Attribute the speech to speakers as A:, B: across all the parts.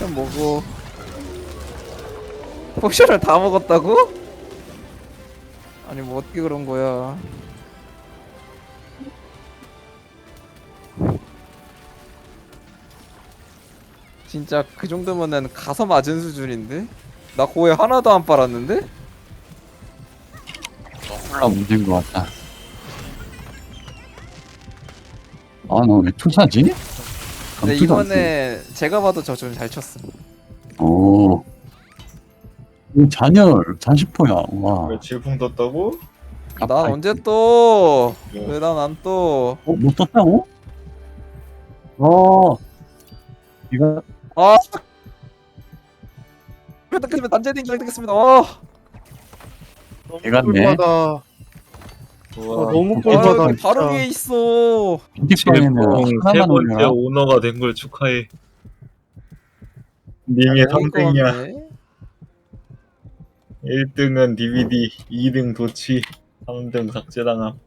A: 포션 먹어. 포션을 다 먹었다고? 아니 뭐 어떻게 그런 거야? 진짜 그 정도면은 가서 맞은 수준인데? 나 고에 하나도 안 빨았는데?
B: 콜라 문제인 것 같다. 아, 너 왜 투사지?
A: 근데
B: 감투도 안 돼.
A: 이번에 제가 봐도 저 좀 잘 쳤음.
B: 오. 이 잔열, 잔시포야. 와.
C: 왜 질풍 떴다고?
A: 난
B: 아파.
A: 언제 또?
C: 뭐.
A: 왜 난 안 또?
B: 어, 못 떴다고? 어. 이거,
A: 아! 획득했습니다. 단제딩 획득했습니다. 어!
B: 개같네.
D: 꿀바다.
C: 우와.
D: 너무
A: 아
D: 꿀바다.
A: 여기 바로 위에 있어.
B: 빈티방에는
C: 질풍 세
B: 하나만
C: 번째
B: 올려라.
C: 오너가 된 걸 축하해. 님의
A: 먹을 거
C: 3등이야.
A: 같네.
C: 1등은 DVD, 2등 도치, 3등 삭제당함.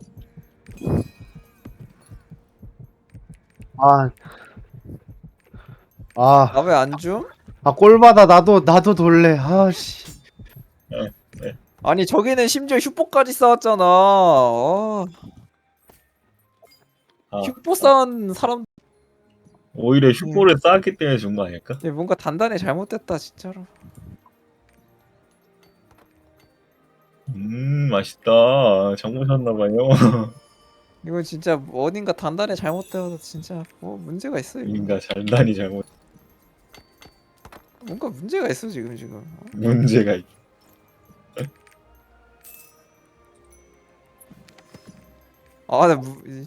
D: 아. 아,
A: 나 왜 안 줌?
D: 꿀바다. 나도 돌래. 아씨.
A: 아니 저기는 심지어 슈퍼까지 쌓았잖아. 어.
C: 아,
A: 슈퍼 쌓은 사람
C: 오히려 슈퍼를 쌓았기 때문에 준 거 아닐까?
A: 뭔가 단단히 잘못됐다 진짜로.
C: 맛있다. 장 보셨나봐요.
A: 이건 진짜 어딘가 단단히 잘못되어서 진짜 뭐 문제가 있어 이거.
C: 인가 잘단이 잘못
A: 뭔가 문제가 있어 지금.
C: 문제가 있.
A: 아, 나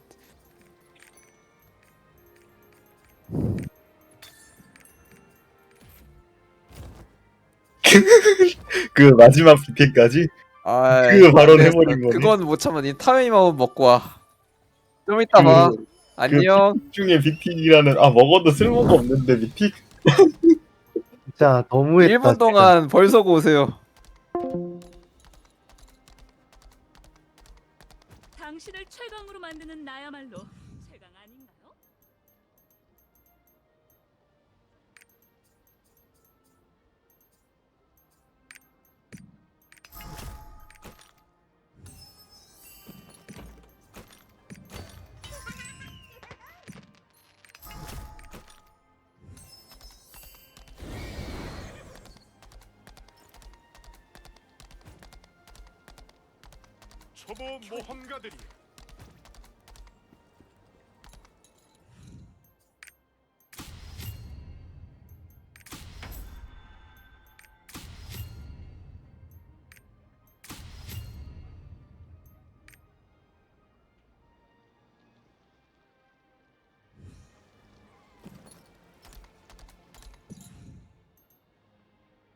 C: 그 마지막 비트까지 그 발언 해버린 거네.
A: 그건 못 참아. 니 타이밍만 먹고 와. 좀 이따 봐. 안녕.
C: 중에 비틱이라는 먹어도 쓸모가 없는데 비틱.
D: 진짜 너무했다.
A: 1분 동안 벌 서고 오세요.
E: 당신을 최강으로 만드는 나야말로 최강 아닌가요?
F: 초보 모험가들이